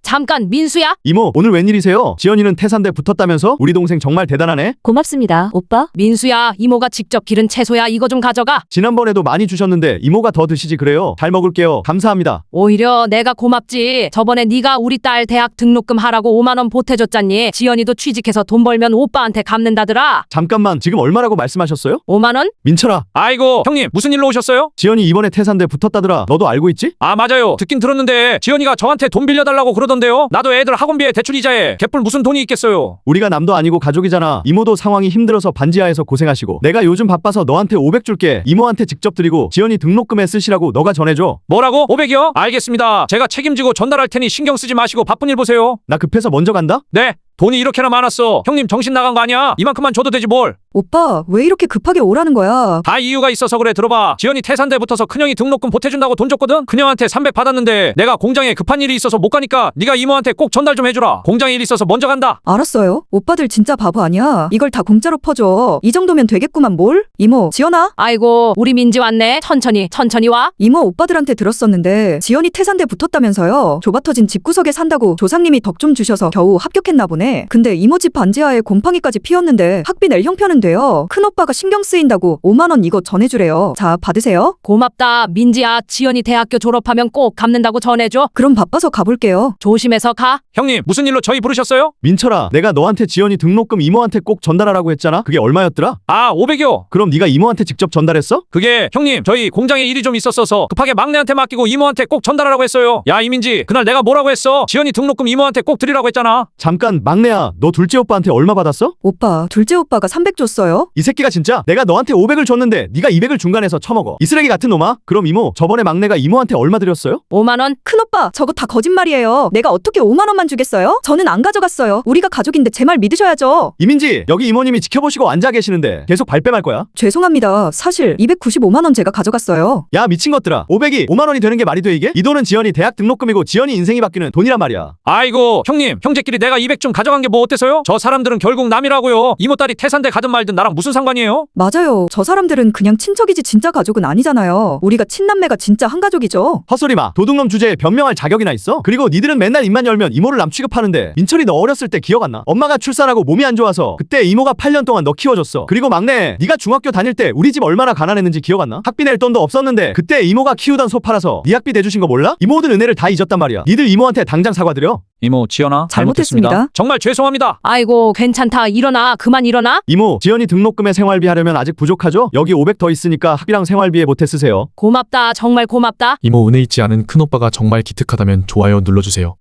잠깐, 민수야? 이모, 오늘 웬일이세요? 지연이는 태산대 붙었다면서? 우리 동생 정말 대단하네? 고맙습니다, 오빠. 민수야, 이모가 직접 기른 채소야. 이거 좀 가져가. 지난번에도 많이 주셨는데 이모가 더 드시지 그래요? 잘 먹을게요. 감사합니다. 오히려 내가 고맙지. 저번에 네가 우리 딸 대학 등록금 하라고 5만 원 보태줬잖니. 지연이도 취직해서 돈 벌면 오빠한테 갚는다더라. 잠깐만, 지금 얼마라고 말씀하셨어요? 5만 원? 민철아, 아이고 형님 무슨 일로 오셨어요? 지연이 이번에 태산대 붙었다더라. 너도 알고 있지? 아 맞아요 듣긴 들었는데 지연이가 저한테 돈 빌려달라고 그러던데요. 나도 애들 학원비에 대출 이자에 개뿔 무슨 돈이 있겠어요. 우리가 남도 아니고 가족이잖아. 이모도 상황이 힘들어서 반지하에서 고생하시고 내가 요즘 바빠서 너한테 500 줄게. 이모한테 직접 드리고 지연이 등록금에 쓰시라고 너가 전해줘. 뭐라고? 500이요? 알겠습니다. 제가 책임지고 전달할 테니 신경 쓰지 마시고 바쁜 일 보세요. 나 급해서 먼저 간다? 네. 돈이 이렇게나 많았어. 형님 정신 나간 거 아니야? 이만큼만 줘도 되지 뭘. 오빠, 왜 이렇게 급하게 오라는 거야? 다 이유가 있어서 그래. 들어봐. 지연이 태산대 붙어서 큰형이 등록금 보태준다고 돈 줬거든? 큰형한테 300 받았는데 내가 공장에 급한 일이 있어서 못 가니까 네가 이모한테 꼭 전달 좀 해주라. 공장에 일 있어서 먼저 간다. 알았어요. 오빠들 진짜 바보 아니야? 이걸 다 공짜로 퍼줘. 이 정도면 되겠구만 뭘? 이모, 지연아? 아이고, 우리 민지 왔네. 천천히 와. 이모, 오빠들한테 들었었는데 지연이 태산대 붙었다면서요. 좁아 터진 집구석에 산다고 조상님이 덕 좀 주셔서 겨우 합격했나 보네. 근데 이모 집 반지하에 곰팡이까지 피었는데 학비 낼 형편은 돼요. 큰오빠가 신경 쓰인다고 5만 원 이거 전해주래요. 자, 받으세요. 고맙다, 민지야. 지연이 대학교 졸업하면 꼭 갚는다고 전해줘. 그럼 바빠서 가볼게요. 조심해서 가. 형님 무슨 일로 저희 부르셨어요? 민철아, 내가 너한테 지연이 등록금 이모한테 꼭 전달하라고 했잖아. 그게 얼마였더라? 아 500이요. 그럼 네가 이모한테 직접 전달했어? 그게 형님 저희 공장에 일이 좀 있었어서 급하게 막내한테 맡기고 이모한테 꼭 전달하라고 했어요. 야 이민지 그날 내가 뭐라고 했어? 지연이 등록금 이모한테 꼭 드리라고 했잖아. 잠깐, 막내야, 너 둘째 오빠한테 얼마 받았어? 오빠, 둘째 오빠가 300 줬어요? 이 새끼가 진짜 내가 너한테 500을 줬는데 네가 200을 중간에서 처먹어. 이 쓰레기 같은 놈아. 그럼 이모, 저번에 막내가 이모한테 얼마 드렸어요? 5만 원? 큰오빠, 저거 다 거짓말이에요. 내가 어떻게 5만 원만 주겠어요? 저는 안 가져갔어요. 우리가 가족인데 제 말 믿으셔야죠. 이민지, 여기 이모님이 지켜보시고 앉아 계시는데 계속 발뺌할 거야? 죄송합니다. 사실 295만 원 제가 가져갔어요. 야, 미친 것들아. 500이 5만 원이 되는 게 말이 돼 이게? 이 돈은 지연이 대학 등록금이고 지연이 인생이 바뀌는 돈이란 말이야. 아이고 형님 형제끼리 내가 200 좀 가져간 게 뭐 어때서요? 저 사람들은 결국 남이라고요. 이모 딸이 태산대 가든 말든 나랑 무슨 상관이에요? 맞아요. 저 사람들은 그냥 친척이지 진짜 가족은 아니잖아요. 우리가 친남매가 진짜 한 가족이죠. 헛소리 마. 도둑놈 주제에 변명할 자격이나 있어? 그리고 니들은 맨날 입만 열면 이모를 남 취급하는데 민철이 너 어렸을 때 기억 안 나? 엄마가 출산하고 몸이 안 좋아서 그때 이모가 8년 동안 너 키워줬어. 그리고 막내, 네가 중학교 다닐 때 우리 집 얼마나 가난했는지 기억 안 나? 학비 낼 돈도 없었는데 그때 이모가 키우던 소 팔아서 네 학비 대주신 거 몰라? 이모들 은혜를 다 잊었단 말이야. 니들 이모한테 당장 사과드려. 이모 지연아 잘못했습니다. 정말 죄송합니다. 아이고, 괜찮다. 일어나. 그만 일어나. 이모, 지연이 등록금에 생활비 하려면 아직 부족하죠? 여기 500 더 있으니까 학비랑 생활비에 보태 쓰세요. 고맙다. 정말 고맙다. 이모 은혜 있지 않은 큰오빠가 정말 기특하다면 좋아요 눌러주세요.